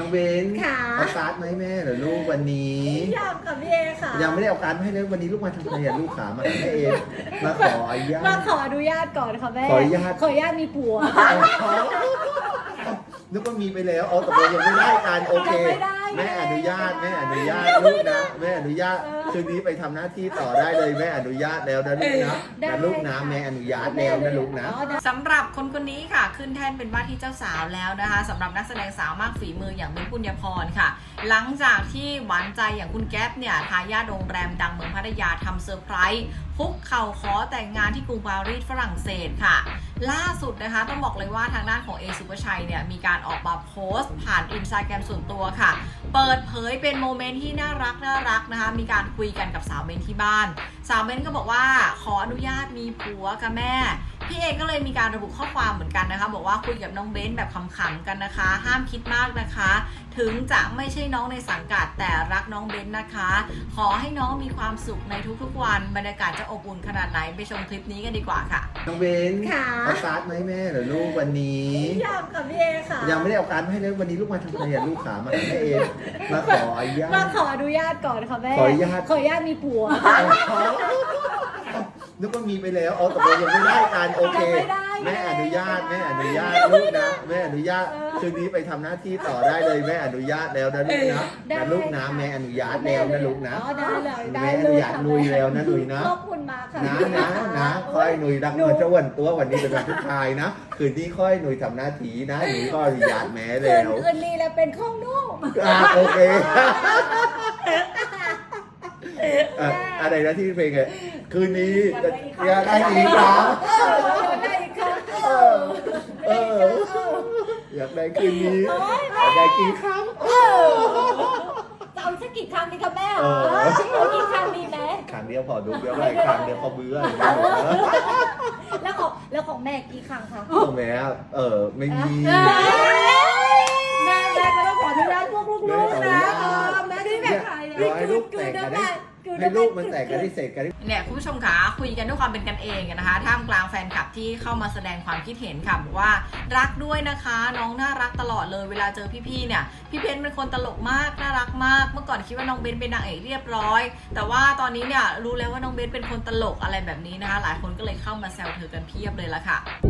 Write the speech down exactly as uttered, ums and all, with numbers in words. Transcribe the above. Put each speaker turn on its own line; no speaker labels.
องเบน
ค่ะ
เอาการ์ดไหมแม่เหรอลูกวันนี้
ยังกับพี่เอค่ะ
ยังไม่ได้เอาการ์ดมาให้เลยวันนี้ลูกมาทำอะไรอ่ะลูกขามาหาแม่เองมาขออนุญา
มา
ต
ขออนุญาตก่อนค่ะแม่
ขออนุญาต
ขออนุญาตมีผัว
นึกว่ามีไปแล้วเอาแต่ยังไม่ได้กันโอเค
ยังไม่ได้
แม่อนุญาตแม่อนุญาตลูกนะแม่อนุญาตคืนนี้ไปทำหน้าที่ต่อได้เลยแม่อนุญาตแล้วนะลูกนะนะลูกนะแม่อนุญาตแล้วนะลูกนะ
สำหรับคนคนนี้ค่ะขึ้นแท่นเป็นว่าที่เจ้าสาวแล้วนะคะสำหรับนักแสดงสาวมากฝีมืออย่างเบนปุญญพรค่ะ หลังจากที่หวานใจอย่างคุณแก๊ปเนี่ยทายาทโรงแรมดังเมืองพัทยาทำเซอร์ไพรส์คุกเข่าขอแต่งงานที่กรุงปารีสฝรั่งเศสค่ะ ล่าสุดนะคะต้องบอกเลยว่าทางด้านของเอสุภชัยเนี่ยมีการออกมาโพสต์ผ่านอินสตาแกรมส่วนตัวค่ะ เปิดเผยเป็นโมเมนต์ที่น่ารักน่ารักนะคะมีการคุยกันกับสาวเบนที่บ้านสาวเบนก็บอกว่าขออนุญาตมีผัวกับแม่พี่เอก็เลยมีการระบุข้อความเหมือนกันนะคะบอกว่าคุยกับน้องเบนแบบขำๆกันนะคะ ห้ามคิดมากนะคะ ถึงจะไม่ใช่น้องในสังกัดแต่รักน้องเบนนะคะ ขอให้น้องมีความสุขในทุกๆวันบรรยากาศจะอบอุ่นขนาดไหนไปชมคลิปนี้กันดีกว่าค่ะ
น้องเบน
ค่ะ
เอาการ์ดไหมแม่เหรอลูกวันนี้
ยังกับพี่เอค่ะ
ยังไม่ได้เอาการ์ดมาให้เลยวันนี้ลูกมาทำอะไรอ่ะลูกขามาหาแม่เองมาขออนุญา
มา
ต
ขออนุญาตก่อนค่ะแม่
ขออนุญาต
ขออนุญาตมีผัว
นึกว่ามีไปแล้วเอาแต่ยังไม่ได้กันโอเค
ยังไม่ได้
แม่อนุญาตแม่อนุญาตลูกนะแม่อนุญาตคืนนี้ไปทำหน้าที่ต่อได้เลยแม่อนุญาตแล้วนะลูกนะนะลูกนะแม่อนุญาตแล้วนะลูกนะ
อ๋อได้เลยได้
แม่
เล
อนุ
ย
ญาต
ค่ะ
ลุยแล้วนะลุยนะ
ขอบคุณมากค่ะ
นะนะนะค่อยหนุ่ยดังเงินเจ้าวันตัววันนี้เป็นวันทุกทายนะคืนนี้ค่อยหนุ่ยทำหน้าที่นะหนุ่ยก็อนุญาตแม่
เกิ
แล้
น
ว
คืนนี้แล้วเป็นของนุ่ม
อ่ะโอเคอ่ะอะไรนะที่เพลงอ่ะคืนนี้อยากได้อีกครั้ง
ได้อีกครั้ง
เออเอออยากได้คืนนี้อยากได้กี่ครั้ง
จะเอาสักกี่ครั้งดีคะแม่
เออ
เอากี่ครั้งดีไหม
ครั้งเดียวพอดูเดียวได้ครั้งเดียวเขาเบื่อ
แล้วของแล้วของแม่กี่ครั้งคะ
โอ้แม่เออไม่มี
แม่แม่ก็ต้องขออนุญาตพวกลูกๆนะเออแม่ที่แบบ
รอให้ลูกแตกกันได้ให้ลูกมันแตกกันได้เสร็จกันได้
เนี่ยคุณผู้ชมคะคุยกันด้วยความเป็นกันเองนะคะท่ามกลางแฟนคลับที่เข้ามาแสดงความคิดเห็นค่ะบอกว่ารักด้วยนะคะน้องน่ารักตลอดเลยเวลาเจอพี่ๆเนี่ยพี่เบนเป็นคนตลกมากน่ารักมากเมื่อก่อนคิดว่าน้องเบนเป็นนางเอกเรียบร้อยแต่ว่าตอนนี้เนี่ยรู้แล้วว่าน้องเบนเป็นคนตลกอะไรแบบนี้นะคะหลายคนก็เลยเข้ามาแซวเธอกันเพียบเลยละค่ะ